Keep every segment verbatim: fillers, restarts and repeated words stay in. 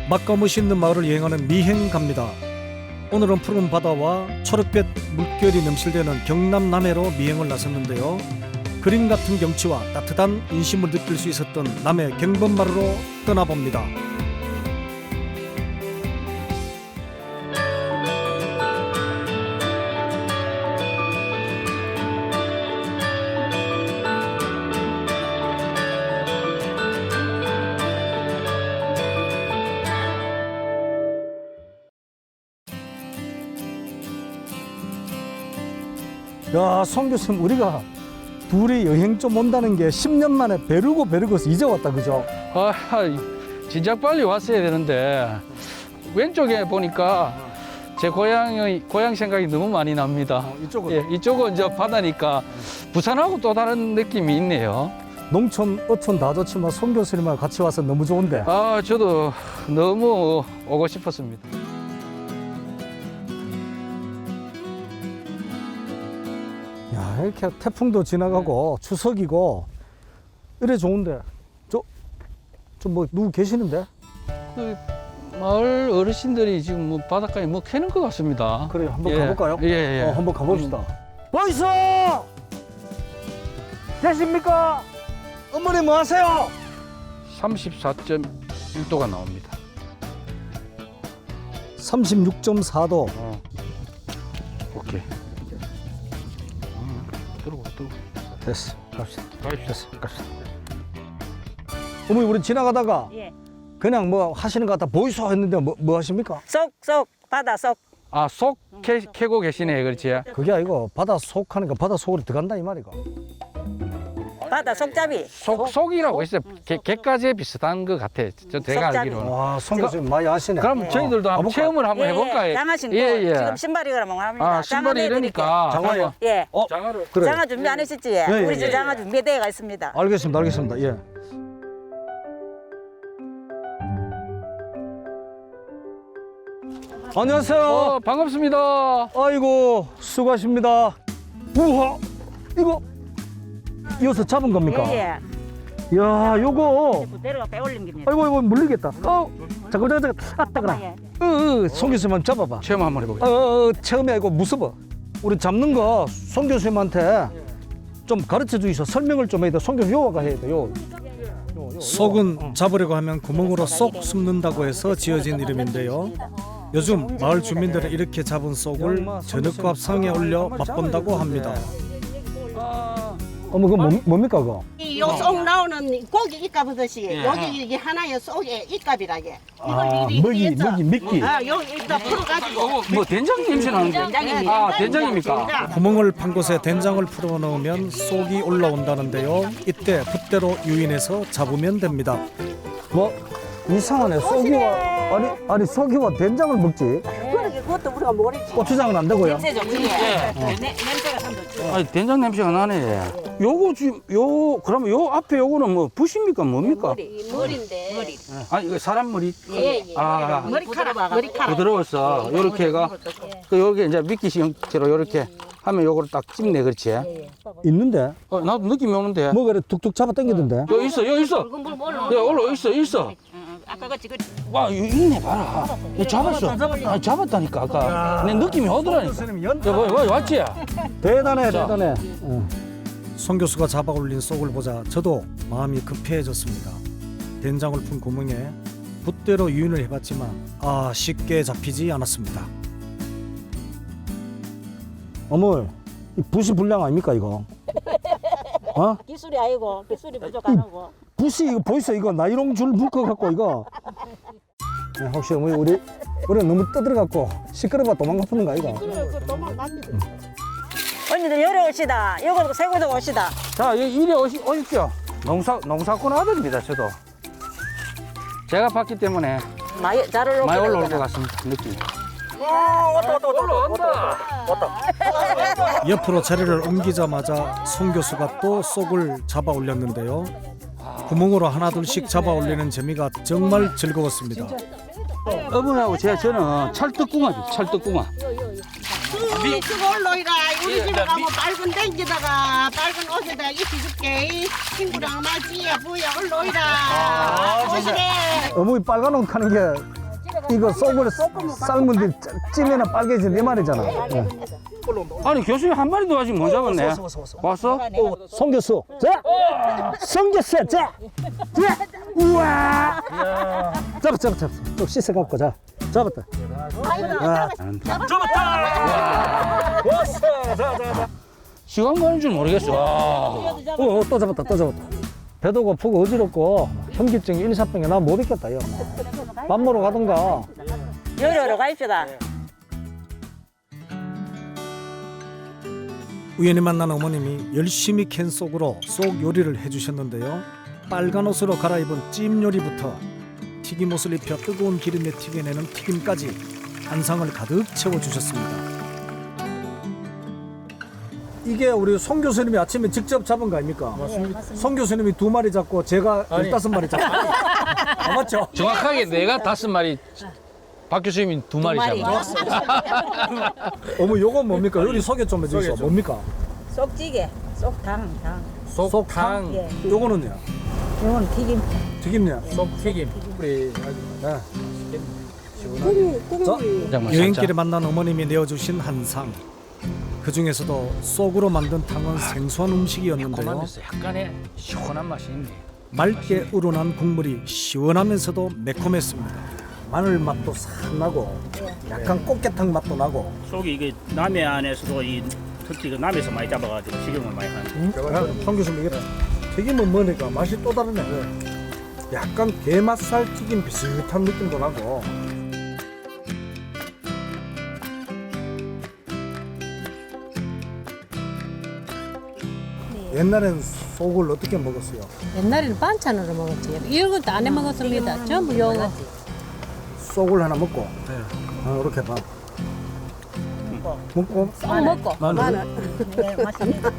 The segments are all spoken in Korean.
맛과 멋있는 마을을 여행하는 미행 갑니다. 오늘은 푸른 바다와 초록빛 물결이 넘실대는 경남 남해로 미행을 나섰는데요. 그림 같은 경치와 따뜻한 인심을 느낄 수 있었던 남해 경범마을로 떠나봅니다. 야, 송 교수님, 우리가 둘이 여행 좀 온다는 게 십 년 만에 베르고 베르고서 이제 왔다, 그죠? 아, 진작 빨리 왔어야 되는데 왼쪽에 보니까 제 고향의 고향 생각이 너무 많이 납니다. 어, 이쪽은 예, 이쪽은 이제 바다니까 부산하고 또 다른 느낌이 있네요. 농촌, 어촌 다 좋지만 송 교수님하고 같이 와서 너무 좋은데. 아, 저도 너무 오고 싶었습니다. 야, 이렇게 태풍도 지나가고 추석이고 이래 좋은데 저 저 뭐 누구 계시는데? 그 마을 어르신들이 지금 뭐 바닷가에 뭐 캐는 것 같습니다. 그래, 한번 예. 가볼까요? 예, 예. 어, 한번 가봅시다. 보이소! 계십니까? 어머니 뭐 하세요? 삼십사 점 일 도가 나옵니다. 삼십육 점 사 도. 어. 오케이. 어, 들어가, 들어가. 됐어. 갑시다. 됐어, 갑시다. 어머니, 우리 지나가다가 예. 그냥 뭐 하시는 것 같아 보이소 했는데 뭐, 뭐 하십니까? 쏙쏙 바다 쏙. 아, 속 캐, 캐고 계시네, 그렇지? 그게 아니고 바다 속 하니까 바다 속으로 들어간다 이 말이가. 바다 속잡이. 속, 속이라고 있어요. 개, 개까지 비슷한 것 같아. 저 제가 속잡이. 알기로는. 와, 송 교수님 많이 아시네. 그럼 저희들도 한번 가볼까요? 체험을 한번 해볼까요? 예, 장화 신고. 예, 예. 지금 신발이 그러면 합니다. 아, 신발이 이러니까. 장화요? 한번 예. 어, 장화를. 그래. 장화 준비 안 하셨지? 예, 우리 예, 저 예. 장화 준비대가 있습니다. 알겠습니다, 알겠습니다. 예. 안녕하세요. 어, 반갑습니다. 아이고, 수고하십니다. 우와, 이거 이어서 잡은 겁니까? 예, 예. 이야, 요거. 부대로가 빼올린 겁니다. 아이고, 이거 물리겠다. 어, 잠깐, 잠깐, 잠깐. 아, 따가라. 예. 어, 어, 송 교수님 잡아봐. 체험 한번 어, 해보겠습니다. 어, 어, 처음에 이거 무서워. 우리 잡는 거 송 교수님한테 좀 가르쳐 주이소. 설명을 좀 해야 돼. 송 교수 요가 해야 돼. 요. 요, 요, 요. 속은 잡으려고 하면 구멍으로 쏙 숨는다고 해서 지어진 이름인데요. 요즘 마을 주민들은 이렇게 잡은 쏙을 저녁밥 상에 올려 맛본다고 합니다. 어머, 그거 뭐, 뭡니까 그거? 요속 나오는 고기 입값듯이 예. 여기 이게 하나의 속에 입값이라게. 아, 먹이, 먹이, 미끼. 아, 여기 일단 풀어가지고. 어, 뭐 된장 냄새 나는데? 된장입니다. 아, 된장입니까? 구멍을 판 곳에 된장을 풀어 넣으면 쏙이 올라온다는데요. 이때 붓대로 유인해서 잡으면 됩니다. 뭐 이상하네. 쏙이와 아니 아니 쏙이와 된장을 먹지. 그러게 그것도 우리가 모르지. 고추장은 안 되고요. 냄새 좋지? 네, 냄새가 참 좋지. 아니, 된장 냄새가 나네. 요거 지금 요 그러면 요 앞에 요거는 뭐 붓입니까 뭡니까? 머리인데. 머리. 아, 이거 사람 머리. 예, 예. 아, 머리카락. 머리카락. 부드러워서 요렇게 해가 그 여기 이제 미끼 형태로 요렇게 하면 요거를 딱 찝네, 그렇지? 있는데 어, 나도 느낌이 오는데. 뭐 그래 툭툭 잡아 당기던데. 여기 있어, 여기 있어. 붉은 물 몰라. 야, 올라 있어, 있어. 아까 같이 그 와, 여기 있네, 봐라. 야, 잡았어. 아, 잡았다니까 아까. 내 느낌이 오더라니까. 야, 뭐, 뭐, 왔지? 대단해, 자. 대단해. 송 교수가 잡아 올린 쏙을 보자 저도 마음이 급해졌습니다. 된장을 푼 구멍에 붓대로 유인을 해봤지만 아 쉽게 잡히지 않았습니다. 어머, 이 붓이 불량 아닙니까 이거? 어? 기술이 아니고 기술이 부족하고. 붓이 이거 보이세요? 이거 나이롱 줄 묶어 갖고 이거. 네, 혹시 어머니 우리 우리 너무 떠들어갖고 시끄러워 도망가 푸는 거 이거? 언니들 열에 오시다. 이거 세고도 오시다. 자, 여기 이리 오시, 오십시오. 농사, 농사꾼 아들입니다, 저도. 제가 봤기 때문에 많이 잘 올라오고. 많이 올라올 것 같습니다, 느낌이. 옆으로 자리를 옮기자마자 송 교수가 또 쏙을 잡아 올렸는데요. 구멍으로 하나둘씩 잡아 올리는 재미가 정말 즐거웠습니다. 어머니하고 제, 저는 찰떡궁합이 찰떡궁합. 미... 그거 올라이라. 우리 집에 가면 빨간 댕기다가 빨간 옷에다 입혀줄게. 친구랑 맞이야. 뭐야 올라이라. 오시래. 어머니 빨간 옷 하는 게 이거 속을 삶은 뒤 찌면은 빨개진 내 말이잖아. 예. 아니 교수님 한 마리도 아직 못 잡았네. 왔어? 송 교수, 자, 송 교수, 자, 자, 우와, 잡았, 잡았, 잡았, 좀 씻어 갖고 자, 잡았다. 아, 잡았다. 왔어, 자, 자, 자. 시간 가는 줄 모르겠어. 와. 어, 어, 또 잡았다, 또 잡았다. 배도 고프고 어지럽고 현기증 일사병에 나 못 있겠다, 요. 밥 먹으러 가던가. 요리하러 가입시다. 우연히 만난 어머님이 열심히 캔 속으로 속 요리를 해주셨는데요. 빨간 옷으로 갈아입은 찜 요리부터 튀김옷을 입혀 뜨거운 기름에 튀겨내는 튀김까지 한상을 가득 채워주셨습니다. 이게 우리 송 교수님이 아침에 직접 잡은 거 아닙니까? 맞습니다. 송 교수님이 두 마리 잡고 제가 열다섯 마리 잡고. 아, 맞죠? 정확하게 내가 다섯 마리, 박 교수님이 두 마리 잡았어. 어머, 요건 뭡니까? 요리 소개 좀 해주세요. 뭡니까? 쏙찌개, 쏙당, 당. 속탕. 예. 요거는요? 이건 튀김. 튀김요? 튀김. 우리 네. 국물. 여행길에 만난 어머님이 내어주신 한상. 그 중에서도 쏙으로 만든 탕은 생소한 음식이었는데요. 매콤하면서 약간의 시원한 맛이 있네. 맑게 우러난 국물이 시원하면서도 매콤했습니다. 마늘 맛도 싹 나고 약간 꽃게탕 맛도 나고. 속이 이게 남해 안에서도 이 특히 그 남해에서 많이 잡아가지고 식용을 많이 하는. 송 교수님 이게 튀김은 뭐니까 맛이 또 다르네. 약간 게맛살 튀김 비슷한 느낌도 나고. 옛날엔 속을 어떻게 먹었어요? 옛날에는 반찬으로 먹었지. 이것도 안 해 먹었습니다. 전부 요거. 속을 하나 먹고 어, 이렇게 밥 먹고 쏙 먹고. 마늘. 네, 맛있습니다.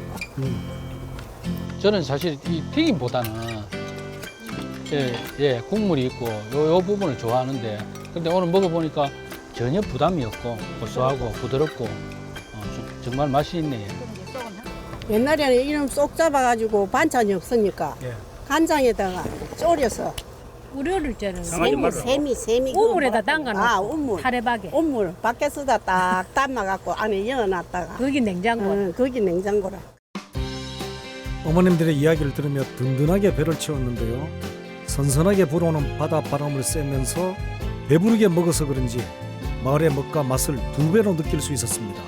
저는 사실 이 튀김보다는 예, 예 국물이 있고 요, 요 부분을 좋아하는데 근데 오늘 먹어보니까 전혀 부담이 없고 고소하고 부드럽고 어, 좀- 정말 맛이 있네요. 옛날에는 이름 쏙 잡아가지고 반찬이 없으니까 간장에다가 졸여서 우리 어릴 때는 강아지 세미 말로. 세미 세미 우물에다 담가놓고 아 우물 타레박에. 우물 밖에서다 딱 담아갖고 안에 열어놨다가 거기 냉장고. 응, 거기 냉장고라. 어머님들의 이야기를 들으며 든든하게 배를 채웠는데요. 선선하게 불어오는 바닷바람을 쐬면서 배부르게 먹어서 그런지 마을의 먹과 맛을 두 배로 느낄 수 있었습니다.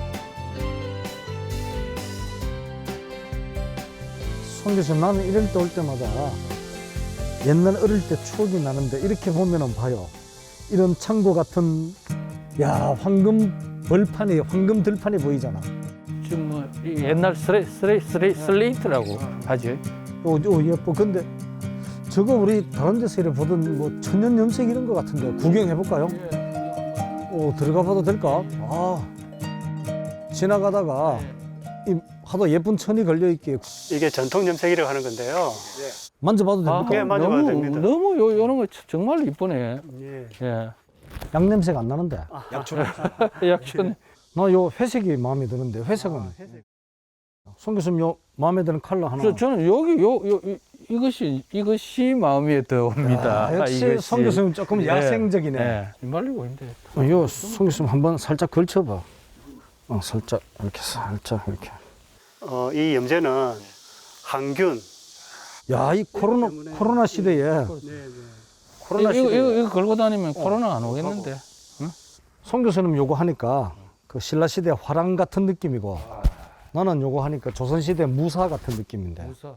송 교수님, 나는 이럴 때 올 때마다 옛날 어릴 때 추억이 나는데 이렇게 보면은 봐요. 이런 창고 같은 야 황금 벌판이 황금 들판이 보이잖아. 지금 뭐 이 옛날 스레, 스레, 스레, 슬레이트라고 하죠. 오, 오 예뻐. 근데 저거 우리 다른 데서 이렇게 보던 뭐 천연 염색 이런 거 같은데 구경해 볼까요? 오, 들어가 봐도 될까? 아, 지나가다가 이 하도 예쁜 천이 걸려 있게 이게 전통 염색이라고 하는 건데요. 만져봐도 아, 됩니까? 예, 만져봐도 너무, 됩니다. 너무 요, 요런 거 정말 이쁘네. 예. 예. 양 냄새가 안 나는데. 약간 나 요 회색이 마음에 드는데 회색은. 송 교수님 요 마음에 드는 컬러 하나. 저, 저는 여기 요, 요 이- 이것이 이것이 마음에 들어옵니다. 아, 역시 이것이. 송 교수님 조금 예, 야생적이네. 예. 말리고 있는데. 어, 요 송 교수님 한번 살짝 걸쳐봐. 어, 살짝 이렇게 살짝 이렇게. 어, 이 염제는 항균. 야, 이 코로나 코로나 시대에 코로나 이거, 시대에 이거, 이거 걸고 다니면 코로나 안 오겠는데. 송 교수님 요거 하니까 그 신라 시대 화랑 같은 느낌이고 나는 요거 하니까 조선 시대 무사 같은 느낌인데. 무사.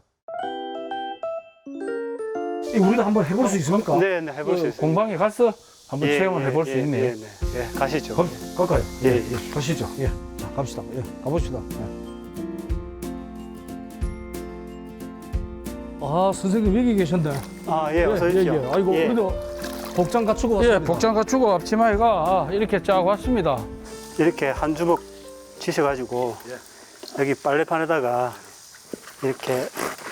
이거 우리가 한번 해볼 수 있습니까? 네, 네, 해볼 수 있습니다. 공방에 가서 한번 예, 체험을 예, 해볼 수 예, 있네요. 예, 네. 예, 가시죠. 가, 갈까요? 예, 예, 가시죠. 예, 자 갑시다. 예, 가봅시다. 예. 아, 선생님 여기 계셨네. 아, 예, 어서 예, 오십시오. 예. 아이고, 예. 우리도 복장 갖추고 예, 왔습니다. 복장 갖추고 앞치마에가 이렇게 쫙 왔습니다. 이렇게 한 주먹 치셔가지고 여기 빨래판에다가 이렇게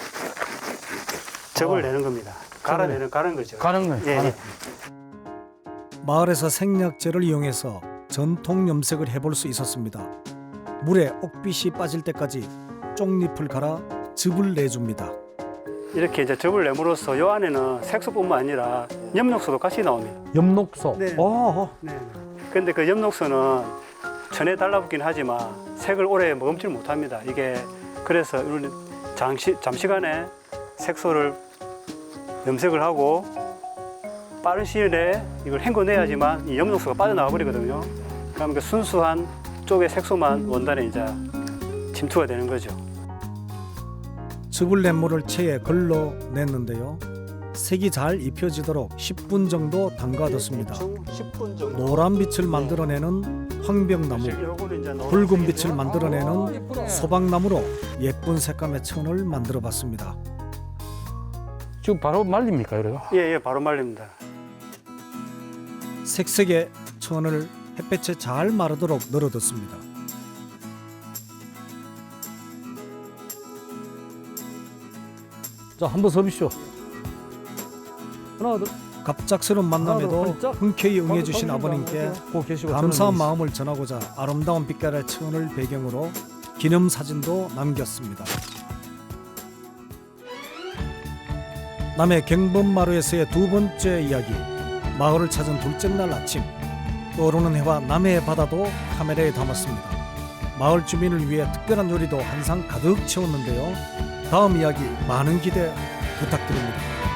접을 내는 겁니다. 갈아내는 가는 거죠. 가는 거예요. 예, 가는 예. 마을에서 생약재를 이용해서 전통 염색을 해볼 수 있었습니다. 물에 옥빛이 빠질 때까지 쪽잎을 갈아 즙을 내줍니다. 이렇게 이제 접을 내므로써 요 안에는 색소뿐만 아니라 엽록소도 같이 나옵니다. 엽록소. 네. 어, 네. 근데 그 엽록소는 천에 달라붙긴 하지만 색을 오래 머금질 못합니다. 이게 그래서 우리는 장시, 잠시간에 색소를 염색을 하고 빠른 시일 내에 이걸 헹궈내야지만 이 엽록소가 빠져나가 버리거든요. 그럼 그 순수한 쪽의 색소만 원단에 이제 침투가 되는 거죠. 즙을 낸 물을 체에 걸러냈는데요. 색이 잘 입혀지도록 십 분 정도 담가뒀습니다. 십 분 정도. 노란 빛을 만들어내는 황벽나무, 요거는 이제 노란색이고요. 붉은 빛을 만들어내는 소박나무로 예쁜 색감의 천을 만들어봤습니다. 지금 바로 말립니까 이래요? 예, 예, 바로 말립니다. 색색의 천을 햇볕에 잘 마르도록 널어뒀습니다. 자, 한번 서비쇼. 하나, 둘. 갑작스러운 만남에도 훌쩍. 흔쾌히 응해주신 아버님께 고 계시고 감사한 저는 마음을 전하고자 아름다운 빛깔의 천을 배경으로 기념사진도 남겼습니다. 남해 경범마루에서의 두 번째 이야기, 마을을 찾은 둘째 날 아침, 떠오르는 해와 남해의 바다도 카메라에 담았습니다. 마을 주민을 위해 특별한 요리도 한상 가득 채웠는데요. 다음 이야기 많은 기대 부탁드립니다.